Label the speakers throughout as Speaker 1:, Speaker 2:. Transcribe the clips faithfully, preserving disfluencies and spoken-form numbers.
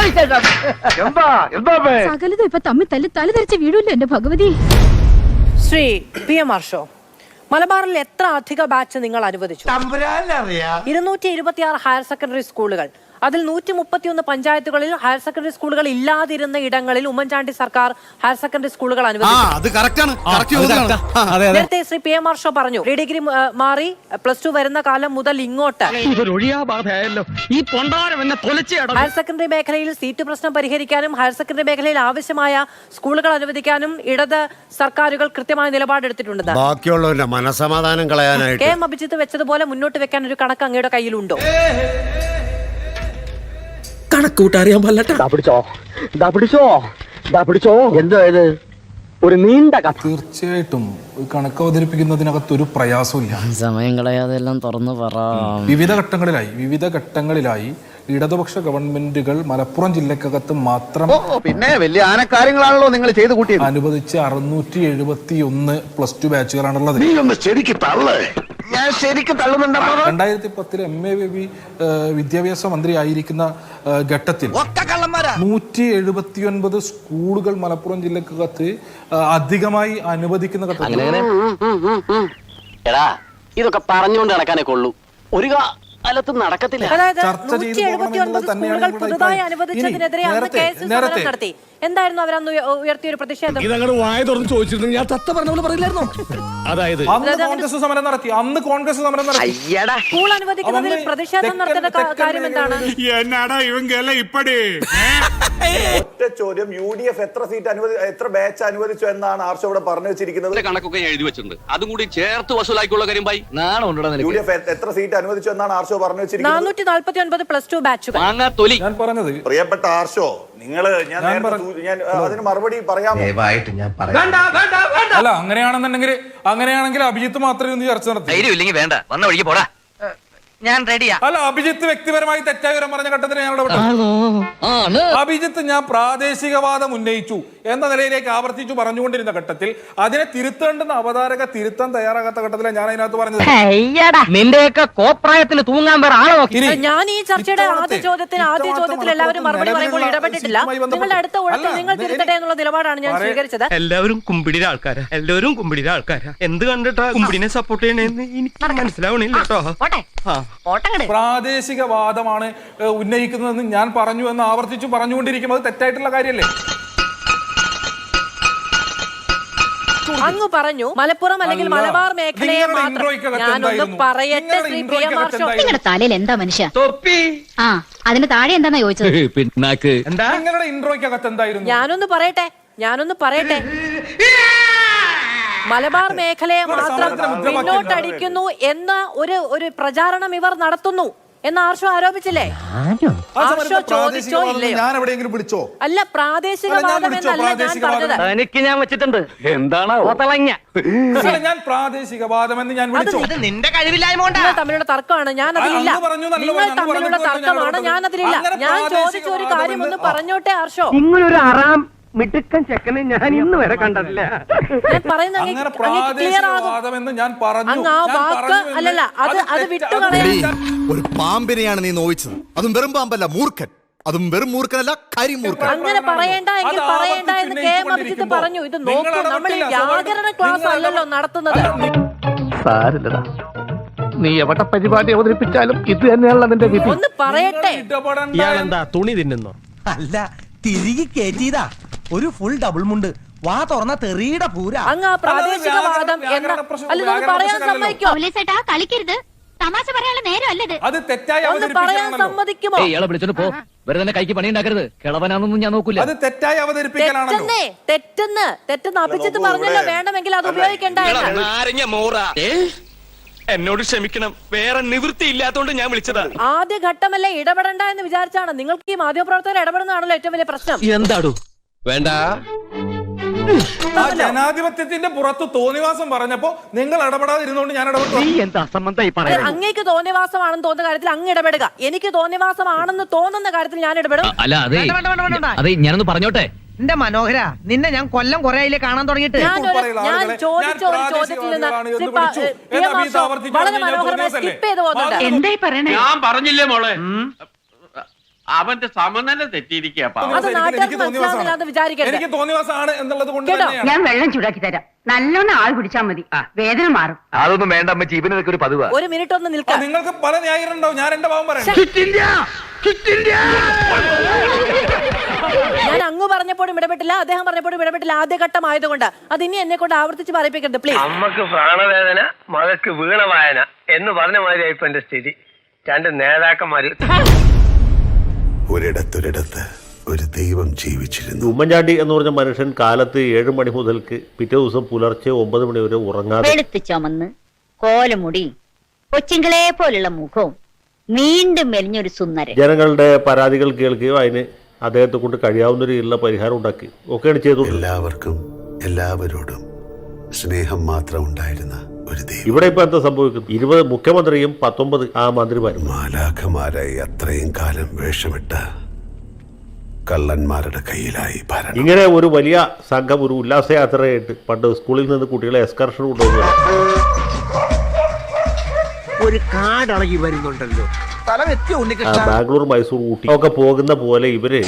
Speaker 1: സകലതും ഇപ്പൊ തമ്മിൽ തല്ലി തല ധരിച്ച വീടില്ല എന്റെ ഭഗവതി.
Speaker 2: Shri P M Arsho, മലബാറിൽ എത്ര അധിക ബാച്ച് നിങ്ങൾ അനുവദിച്ചു? ഇരുന്നൂറ്റി ഇരുപത്തി ആറ് ഹയർ സെക്കൻഡറി സ്കൂളുകൾ, അതിൽ നൂറ്റി മുപ്പത്തി ഒന്ന് പഞ്ചായത്തുകളിൽ ഹയർ സെക്കൻഡറി സ്കൂളുകൾ ഇല്ലാതിരുന്ന ഇടങ്ങളിൽ ഉമ്മൻചാണ്ടി സർക്കാർ ഹയർ സെക്കൻഡറി സ്കൂളുകൾ അനുവദിച്ചു. നേരത്തെ Shri P M Arsho പറഞ്ഞു, പ്രീ ഡിഗ്രി മാറി പ്ലസ് ടു വരുന്ന കാലം മുതൽ ഇങ്ങോട്ട് ഹയർ സെക്കൻഡറി മേഖലയിൽ സീറ്റ് പ്രശ്നം പരിഹരിക്കാനും ഹയർ സെക്കൻഡറി മേഖലയിൽ ആവശ്യമായ സ്കൂളുകൾ അനുവദിക്കാനും ഇടത് സർക്കാരുകൾ കൃത്യമായ നിലപാടെടുത്തിട്ടുണ്ടെന്ന്.
Speaker 3: ബാക്കിയുള്ളവരുടെ മനസമാധാനം കളയാനായിട്ട്
Speaker 2: കെ എം അഭിജിത്ത് വെച്ചതുപോലെ മുന്നോട്ട് വെക്കാൻ ഒരു കണക്ക് അങ്ങയുടെ കയ്യിലുണ്ടോ?
Speaker 4: കണക്കൂട്ടറിയാൻ എന്തോ ഇത് ഒരു നീണ്ട കഥ.
Speaker 5: തീർച്ചയായിട്ടും കണക്ക് അവതരിപ്പിക്കുന്നതിനകത്ത് ഒരു പ്രയാസമില്ല.
Speaker 4: സമയം കളയാതെ എല്ലാം തുറന്നു പറ.
Speaker 5: വിവിധ ഘട്ടങ്ങളിലായി വിവിധ ഘട്ടങ്ങളിലായി ഇടതുപക്ഷ ഗവൺമെന്റുകൾ മലപ്പുറം ജില്ലക്കകത്ത് മാത്രം
Speaker 4: പിന്നെ വലിയ ആനക്കാര്യങ്ങളാണല്ലോ നിങ്ങൾ ചെയ്തു കൂട്ടിയത്.
Speaker 5: അനുവദിച്ച് അറുന്നൂറ്റി എഴുപത്തി ഒന്ന് പ്ലസ് ടു ബാച്ചുകളാണുള്ളത്. രണ്ടായിരത്തി പത്തില് എം എ ബേബി വിദ്യാഭ്യാസ മന്ത്രി ആയിരിക്കുന്ന ഘട്ടത്തിൽ നൂറ്റി എഴുപത്തി ഒൻപത് സ്കൂളുകൾ മലപ്പുറം ജില്ലക്കകത്ത് അധികമായി അനുവദിക്കുന്ന ഘട്ടത്തിൽ
Speaker 4: ഇതൊക്കെ പറഞ്ഞുകൊണ്ട് നടക്കാനേ കൊള്ളൂ, ഒരു കാലത്തും നടക്കത്തില്ല.
Speaker 2: പുതുതായി അനുവദിച്ചതിനെതിരെ അന്ന് കേസ് സമരം നടത്തി. എന്തായിരുന്നു അവരന്ന് ഉയർത്തിയ ഒരു പ്രതിഷേധം?
Speaker 5: അതായത് അന്ന് കോൺഗ്രസ് സമരം നടത്തി അന്ന് കോൺഗ്രസ് സമരം നടത്തി
Speaker 2: സ്കൂൾ അനുവദിക്കുന്നതിൽ പ്രതിഷേധം നടത്തേണ്ട കാര്യം എന്താണ്?
Speaker 6: ഒറ്റ ചോദ്യം, യു ഡി എഫ് എത്ര സീറ്റ് അനുവദി എത്ര ബാച്ച് അനുവദിച്ചു എന്നാണ് ആർഷോ ഇവിടെ പറഞ്ഞു വെച്ചിരിക്കുന്നത്?
Speaker 7: കണക്കൊക്കെ എഴുതി വെച്ചിട്ടുണ്ട്, അതും കൂടി ചേർത്ത് വസൂലാക്കിയുള്ള കാര്യം ബൈ
Speaker 6: യു ഡി എഫ് എത്ര സീറ്റ് അനുവദിച്ചു എന്നാണ് ആർഷോ പറഞ്ഞു വെച്ചിരിക്കുന്നത്?
Speaker 2: നാനൂറ്റി നാല്പത്തി ഒൻപത് പ്ലസ് ടു ബാച്ചുകൾ.
Speaker 5: ഞാൻ പറഞ്ഞത്
Speaker 6: പ്രിയപ്പെട്ട ആർഷോ, നിങ്ങള് ഞാൻ ഞാൻ അതിന് മറുപടി പറയാമോ?
Speaker 5: അല്ല, അങ്ങനെയാണെന്നുണ്ടെങ്കിൽ അങ്ങനെയാണെങ്കിൽ അഭിജിത്ത് മാത്രമേ ഒന്ന് ചർച്ച നടത്തി.
Speaker 7: വേണ്ട, വന്ന വഴിക്ക് പോടാ, ഞാൻ റെഡിയാ.
Speaker 5: അല്ല, അഭിജിത്ത് വ്യക്തിപരമായി തെറ്റായ വിവരം പറഞ്ഞ ഘട്ടത്തിൽ ഞാൻ ഇടപെട്ടു. അഭിജിത്ത് ഞാൻ പ്രാദേശികവാദം ഉന്നയിച്ചു എന്ന നിലയിലേക്ക് ആവർത്തിച്ചു പറഞ്ഞുകൊണ്ടിരുന്ന ഘട്ടത്തിൽ അതിനെ തിരുത്തേണ്ടുന്ന അവതാരക തിരുത്താൻ തയ്യാറാകാത്ത ഘട്ടത്തിലാണ് ഞാൻ അതിനകത്ത് പറഞ്ഞത്.
Speaker 4: നിന്റെയൊക്കെ കോപ്രായത്തിന് തൂങ്ങാൻ വേറെ ആളോ?
Speaker 2: ഞാൻ ഈ ചർച്ചയുടെ ആദ്യ ചോദ്യത്തിന് ആദ്യ ചോദ്യത്തിൽ എല്ലാവരും മറുപടി പറയുമ്പോൾ ഇടപെട്ടിട്ടില്ല. നിങ്ങളുടെ അടുത്ത ഊഴത്തിൽ നിങ്ങൾ തിരുത്തട്ടെ എന്നുള്ള നിലപാടാണ് ഞാൻ സ്വീകരിച്ചത്.
Speaker 8: എല്ലാവരും കുമ്പിടിയുടെ ആൾക്കാരാ, എല്ലാവരും കുമ്പിടിയുടെ ആൾക്കാരാ. എന്ത് കണ്ടിട്ടാ കുമ്പിടിനെ സപ്പോർട്ട് ചെയ്യണേന്ന് എനിക്ക് മനസ്സിലാവണില്ല കേട്ടോ.
Speaker 5: പ്രാദേശികവാദമാണ് ഉന്നയിക്കുന്നതെന്ന് ഞാൻ പറഞ്ഞു എന്ന് ആവർത്തിച്ചു പറഞ്ഞുകൊണ്ടിരിക്കുന്നത് തെറ്റായിട്ടുള്ള കാര്യമല്ലേ?
Speaker 2: അങ്ങ് പറഞ്ഞു മലപ്പുറം അല്ലെങ്കിൽ മലബാർ മേഖലയെ മാത്രം. ഞാനൊന്ന് പറയട്ടെ Shri P M Arsho,
Speaker 1: നിങ്ങളുടെ തലയിൽ എന്താ മനുഷ്യ ആ അതിന് താഴെ എന്താന്നാ ചോദിച്ചത്?
Speaker 5: നിങ്ങളുടെ ഇൻട്രോയ്ക്കകത്ത് എന്തായിരുന്നു?
Speaker 2: ഞാനൊന്ന് പറയട്ടെ ഞാനൊന്ന് പറയട്ടെ മലബാർ മേഖലയെ മാത്രം മുന്നോട്ടടിക്കുന്നു എന്ന ഒരു ഒരു പ്രചാരണം ഇവർ നടത്തുന്നു എന്ന് ആർഷോ ആരോപിച്ചില്ലേ? ആർഷോ ചോദിച്ചോ ഇല്ലയോ?
Speaker 5: ഞാൻ എവിടെയെങ്കിലും വിളിച്ചോ?
Speaker 2: അല്ല, പ്രാദേശികവാദം എന്നല്ല ഞാൻ പറഞ്ഞത്.
Speaker 4: എനിക്ക് ഞാൻ വെച്ചിട്ടുണ്ട്. എന്താണ്
Speaker 5: ഞാൻ പ്രാദേശികവാദം എന്ന് ഞാൻ വിളിച്ചു?
Speaker 4: നിന്റെ കഴിവില്ലായ്മ
Speaker 2: തമ്മിലുള്ള തർക്കമാണ്, ഞാൻ അതിലില്ല. നിങ്ങൾ തമ്മിലുള്ള തർക്കമാണ്, ഞാൻ അതിലില്ല. ഞാൻ ചോദിച്ച ഒരു കാര്യം ഒന്ന് പറഞ്ഞോട്ടെ ആർഷോ.
Speaker 4: ഇങ്ങനൊരു ആറാം മിടുക്കൻ ചെക്കനെ ഞാൻ ഇന്ന് വരെ കണ്ടിട്ടില്ല.
Speaker 2: ഞാൻ പറയുന്നത് അല്ലല്ല, അത് അത് വിട്ടുകളയാൻ.
Speaker 3: ഒരു പാമ്പിനെയാണ് നീ നോവിച്ചത്, അതും വെറും പാമ്പല്ല, മൂർഖൻ. അതും വെറും മൂർഖനല്ല, കരിമൂർഖൻ.
Speaker 2: അങ്ങനെ പറയണ്ട എങ്കിൽ പറയണ്ട എന്ന് കെ എം അഭിജിത്ത് പറഞ്ഞു. ഇത് നോക്കൂ, നമ്മൾ ഈ വ്യാകരണ ക്ലാസ് അല്ലല്ലോ നടത്തുന്നത്.
Speaker 4: സാരില്ലടാ, നീ എവിടെ പരിപാടി അവതരിപ്പിച്ചാലും ഇത് തന്നെയാണല്ലോ നിന്റെ വിധി.
Speaker 2: ഒന്ന് പറയട്ടെ.
Speaker 8: ഇയാളെന്താ തുണി തിന്നുന്നോ?
Speaker 9: അല്ല, തിരികെ കേറ്റിയതാ. ഒരു ഫുൾ ഡബിൾ മുണ്ട്, വാ തുറന്ന തെറിയുടെ പൂര.
Speaker 2: അങ്ങ് പ്രാദേശികവാദം എന്ന അല്ല പറയാൻ സമ്മതിക്കോ?
Speaker 1: കളിക്കരുത്, തമാശ പറയാനുള്ള നേരം അല്ലത്.
Speaker 5: അത് തെറ്റായി
Speaker 2: ഒന്ന് പറയാൻ സമ്മതിക്കുമോ?
Speaker 4: ഇയാളെ വിളിച്ചോണ്ട് പോ, വെറുതെ കൈക്ക് പണി ഉണ്ടാക്കരുത്. കിളവനാണെന്നൊന്നും ഞാൻ നോക്കൂല.
Speaker 5: അത് തെറ്റായി അവതരിപ്പിക്കലാണല്ലോ.
Speaker 2: തെറ്റെന്നേ, തെറ്റെന്ന് തെറ്റെന്ന് അഭിജിത്ത് പറഞ്ഞല്ലോ. വേണമെങ്കിൽ അത് ഉപയോഗിക്കണ്ടായിരുന്നു.
Speaker 8: എന്നോട് ക്ഷമിക്കണം, വേറെ നിവൃത്തി ഇല്ലാത്തോണ്ട് ഞാൻ വിളിച്ചതാ.
Speaker 2: ആദ്യ ഘട്ടമല്ലേ, ഇടപെടണ്ട എന്ന് വിചാരിച്ചാണ്. നിങ്ങൾക്ക് ഈ മാധ്യമപ്രവർത്തകർ ഇടപെടുന്നതാണല്ലോ ഏറ്റവും വലിയ പ്രശ്നം.
Speaker 8: എന്താടോ വേണ്ട,
Speaker 5: ജനാധിപത്യത്തിന്റെ പുറത്ത് തോന്നിവാസം പറഞ്ഞപ്പോ നിങ്ങൾ ഇടപെടാതിരുന്നോണ്ട് ഞാൻ ഇടപെട്ടു.
Speaker 2: അങ്ങേക്ക് തോന്നിവാസമാണെന്ന് തോന്നുന്ന കാര്യത്തിൽ അങ്ങ് ഇടപെടുക, എനിക്ക് തോന്നിവാസമാണെന്ന് തോന്നുന്ന കാര്യത്തിൽ ഞാൻ ഇടപെടും.
Speaker 4: അല്ല, അതെ അതെ, ഞാനൊന്ന് പറഞ്ഞോട്ടെ. എന്റെ മനോഹര, നിന്നെ ഞാൻ കൊല്ലം കൊറേ ആയില്ലേ കാണാൻ തുടങ്ങിയിട്ട്.
Speaker 2: ഞാൻ ചോദിച്ച ഒരു ചോദ്യത്തിൽ നിന്ന് വളരെ മനോഹരമായി സ്കിപ്പ് ചെയ്ത് പോകുന്നുണ്ട്.
Speaker 1: എന്തായി പറയണേ?
Speaker 8: ഞാൻ പറഞ്ഞില്ലേ മോളെ,
Speaker 7: അവന്റെ സമനില തെറ്റിയിരിക്കുക
Speaker 2: അത്
Speaker 5: എനിക്ക്
Speaker 2: നാട്ടുകാർക്ക്
Speaker 5: എനിക്ക് തോന്നിവാസമാണ്.
Speaker 2: മനസ്സിലാവുന്നില്ലാന്ന് വിചാരിക്കരുത്.
Speaker 5: എനിക്ക് തോന്നിവാസമാണ് എന്നുള്ളത് കൊണ്ട്
Speaker 2: കേട്ടോ?
Speaker 5: തന്നെയാണ്.
Speaker 1: ഞാൻ വെള്ളം ചൂടാക്കി തരാം നല്ലോണം ആൾ കുടിച്ചാൽ മതി വേദന മാറും.
Speaker 4: അതൊന്നും വേണ്ട അമ്മ ജീവനൊക്കെ ഒരു പതിവാ.
Speaker 2: ഒരു മിനിറ്റ് ഒന്ന്
Speaker 5: ആ,
Speaker 2: നിൽക്കാം.
Speaker 5: നിങ്ങൾക്ക് പല ന്യായീകരണം ഉണ്ടാവും. ഞാൻ എന്റെ ഭാവം പറയാം.
Speaker 2: ഞാൻ അങ്ങ് പറഞ്ഞപ്പോഴും ഇടപെട്ടില്ല, അദ്ദേഹം പറഞ്ഞപ്പോഴും ഇടപെട്ടില്ല. ആദ്യഘട്ടം ആയതുകൊണ്ട് അത് ഇനി എന്നെ കൊണ്ട് ആവർത്തിച്ച് പറയിപ്പിക്കരുത് പ്ലീസ്.
Speaker 8: അമ്മക്ക് പ്രാണവേദന മകക്ക് വീണവായന എന്ന് പറഞ്ഞ മാതിരി ഇപ്പൊ എന്റെ സ്ഥിതി. രണ്ട് നേതാക്കന്മാര്
Speaker 6: ഒരിടത്തൊരിടത്ത് ഒരു ദൈവം ജീവിച്ചിരുന്നു.
Speaker 4: ഉമ്മൻചാണ്ടി എന്ന് പറഞ്ഞ മനുഷ്യൻ കാലത്ത് ഏഴ് മണി മുതൽക്ക് പിറ്റേ ദിവസം പുലർച്ചെ ഒമ്പത് മണി വരെ ഉറങ്ങാതെ
Speaker 1: വെളുത്ത് ചുമന്ന് കോലമുടി കൊച്ചിങ്കളെ പോലുള്ള മുഖവും നീണ്ടും മെലിഞ്ഞൊരു സുന്ദരൻ
Speaker 4: ജനങ്ങളുടെ പരാതികൾ കേൾക്കുകയോ അതിന് അദ്ദേഹത്തെ കൊണ്ട് കഴിയാവുന്ന രീതിയിലുള്ള പരിഹാരം ഉണ്ടാക്കി ഒക്കെയാണ് ചെയ്തു.
Speaker 6: എല്ലാവർക്കും എല്ലാവരോടും സ്നേഹം മാത്രം ഉണ്ടായിരുന്ന ഒരു ദൈവം.
Speaker 4: ഇവിടെ ഇപ്പൊ എന്താ സംഭവിക്കുന്നത്? ഇരുപത് മുഖ്യമന്ത്രിയും പത്തൊമ്പത് ആ മന്ത്രിമാരും
Speaker 6: മാലാഖമാരായി അത്രയും കാലം വേഷമിട്ട കള്ളന്മാരുടെ കയ്യിലായി ഭരണം.
Speaker 4: ഇങ്ങനെ ഒരു വലിയ സംഘം ഒരു ഉല്ലാസയാത്രയായിട്ട് പണ്ട് സ്കൂളിൽ നിന്ന് കുട്ടികളെ എക്സ്കർഷൻ കൊണ്ടുപോകുക.
Speaker 9: ഒരു കാടളകി വരുന്നുണ്ടല്ലോ സ്ഥലം എത്തിയോ ഉണ്ണികൃഷ്ണ?
Speaker 4: ബാംഗ്ലൂർ, മൈസൂർ, ഊട്ടി ഒക്കെ പോകുന്ന പോലെ ഇവര്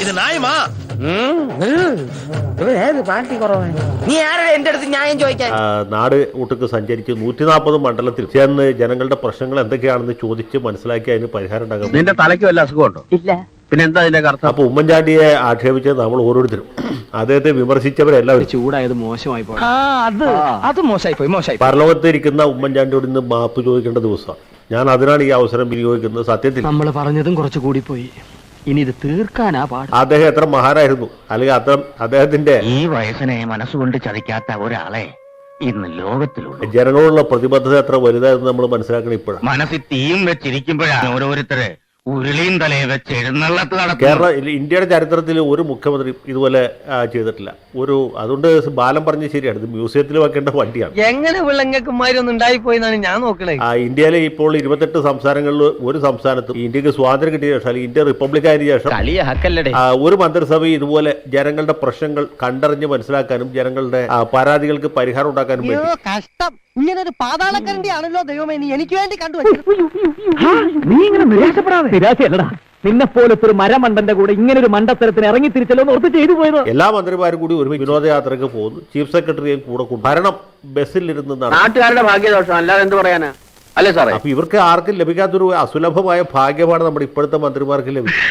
Speaker 9: നീ ആരാ എന്റെ അടുത്ത് ന്യായം ചോദിക്കാൻ?
Speaker 4: ആ, നാട് ഒട്ടുക്ക് സഞ്ചരിച്ച് നൂറ്റി നാൽപ്പത് മണ്ഡലത്തിൽ ചെന്ന് ജനങ്ങളുടെ പ്രശ്നങ്ങൾ എന്തൊക്കെയാണെന്ന് ചോദിച്ച് മനസ്സിലാക്കി അതിന് പരിഹാരം ഉണ്ടാകും.
Speaker 8: നിന്റെ തലയ്ക്ക് വല്ല അസുഖമുണ്ടോ?
Speaker 1: ഇല്ല.
Speaker 8: പിന്നെ എന്താ അതിന്റെ അർത്ഥം?
Speaker 4: അപ്പൊ ഉമ്മൻചാണ്ടിയെ ആക്ഷേപിച്ചത് നമ്മൾ ഓരോരുത്തരും അദ്ദേഹത്തെ വിമർശിച്ചവരെല്ലാവരും
Speaker 8: ചൂടായത് മോശമായി പോയി. അത് അത് മോശമായി പോയി മോശമായി.
Speaker 4: പരലോകത്തിരിക്കുന്ന ഉമ്മൻചാണ്ടിയോട് ഇന്ന് മാപ്പ് ചോദിക്കേണ്ട ദിവസമാണ്. ഞാൻ അതിനാണ് ഈ അവസരം വിനിയോഗിക്കുന്നത്. സത്യത്തിൽ
Speaker 8: നമ്മൾ പറഞ്ഞതും കുറച്ച് കൂടി പോയി. ഇനി ഇത് തീർക്കാനാ പാട്.
Speaker 4: അദ്ദേഹം എത്ര മഹാനായിരുന്നു, അല്ലെങ്കിൽ അത്ര അദ്ദേഹത്തിന്റെ
Speaker 7: ഈ വയസ്സിനെ മനസ്സുകൊണ്ട് ചതിക്കാത്ത ഒരാളെ ഇന്ന് ലോകത്തിലുള്ളൂ.
Speaker 4: ജനങ്ങളോടുള്ള പ്രതിബദ്ധത എത്ര വലുതായെന്ന് നമ്മൾ മനസ്സിലാക്കണം ഇപ്പോഴാണ്.
Speaker 7: മനസ്സിൽ തീയും വെച്ചിരിക്കുമ്പോഴാണ് ഓരോരുത്തരെ ഉരുളിയും തലയെ വെച്ച് എഴുന്നള്ളത്ത് നടത്തുന്നത്.
Speaker 4: കേരള ഇന്ത്യയുടെ ചരിത്രത്തിൽ ഒരു മുഖ്യമന്ത്രി ഇതുപോലെ ആ, ചെയ്തിട്ടില്ല. ഒരു അതുകൊണ്ട് ബാലം പറഞ്ഞ് ശരിയാണ്, ഇത് മ്യൂസിയത്തിൽ വെക്കേണ്ട വണ്ടിയാണ്.
Speaker 8: എങ്ങനെ വിളങ്ങക്കുമാരൊന്നും ഉണ്ടായിപ്പോയി എന്നാണ് ഞാൻ നോക്കണേ.
Speaker 4: ആ, ഇന്ത്യയിലെ ഇപ്പോൾ ഇരുപത്തെട്ട് സംസ്ഥാനങ്ങളിൽ ഒരു സംസ്ഥാനത്തും ഇന്ത്യക്ക് സ്വാതന്ത്ര്യം കിട്ടിയ ശേഷം അല്ലെങ്കിൽ ഇന്ത്യ റിപ്പബ്ലിക് ആയതിനു ശേഷം ആ, ഒരു മന്ത്രിസഭ ഇതുപോലെ ജനങ്ങളുടെ പ്രശ്നങ്ങൾ കണ്ടറിഞ്ഞ് മനസ്സിലാക്കാനും ജനങ്ങളുടെ ആ, പരാതികൾക്ക് പരിഹാരം ഉണ്ടാക്കാനും വേണ്ടി.
Speaker 9: കഷ്ടം, ഇങ്ങനെ ഒരു പാതാളക്കരണ്ടി ആണല്ലോ ദൈവമേ നീ എനിക്ക് വേണ്ടി കണ്ടു.
Speaker 8: നീ ഇങ്ങനെ നിരാശപ്പെടാതെ. നിരാശയല്ലടാ, നിന്നെ പോലത്തെ ഒരു മരമണ്ടന്റെ കൂടെ ഇങ്ങനെ ഒരു മണ്ടത്തരത്തിന് ഇറങ്ങി തിരിച്ചല്ലോ ഓർത്ത് ചെയ്തു പോയത്.
Speaker 4: എല്ലാ മന്ത്രിമാരും കൂടി ഒരുമിച്ച് വിനോദയാത്രയ്ക്ക് പോകുന്നു. ചീഫ് സെക്രട്ടറിയും കൂടെ കൊണ്ട് ഭരണം ബസ്സിലിരുന്ന് നടന്നു.
Speaker 8: നാട്ടുകാരുടെ ഭാഗ്യദോഷം അല്ലാതെ എന്ത് പറയാനാ? അല്ലേ സാറേ?
Speaker 4: അപ്പൊ ഇവർക്ക് ആർക്കും ലഭിക്കാത്തൊരു അസുലഭമായ ഭാഗ്യമാണ് നമ്മുടെ ഇപ്പോഴത്തെ മന്ത്രിമാർക്ക് ലഭിക്കും.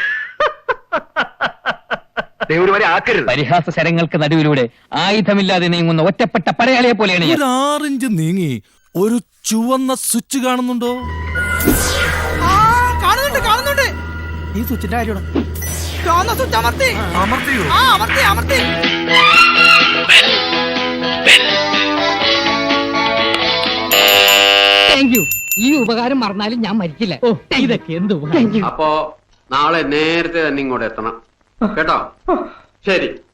Speaker 7: പരിഹാസ ശരങ്ങൾക്ക് നടുവിലൂടെ ആയുധമില്ലാതെ നീങ്ങുന്ന ഒറ്റപ്പെട്ട പടയാളിയെ പോലെയാണ് ഞാൻ.
Speaker 9: ആറിഞ്ച് നീങ്ങി ഒരു ചുവന്ന സ്വിച്ച് കാണുന്നുണ്ടോ? കാണുന്നുണ്ട് കാണുന്നുണ്ട്. ഈ സ്വിച്ചിന്റെ കാര്യമാണ്. ചുവന്ന സ്വിച്ച് അമർത്തി അമർത്തിയോ? ആ അമർത്തി അമർത്തി.
Speaker 1: Thank you. ഈ ഉപകാരം മറന്നാലും ഞാൻ മരിക്കില്ല. ഇതൊക്കെ എന്ത്
Speaker 7: അപ്പോ നാളെ നേരത്തെ തന്നെ ഇങ്ങോട്ട് എത്തണം കേട്ടോ. ശരി.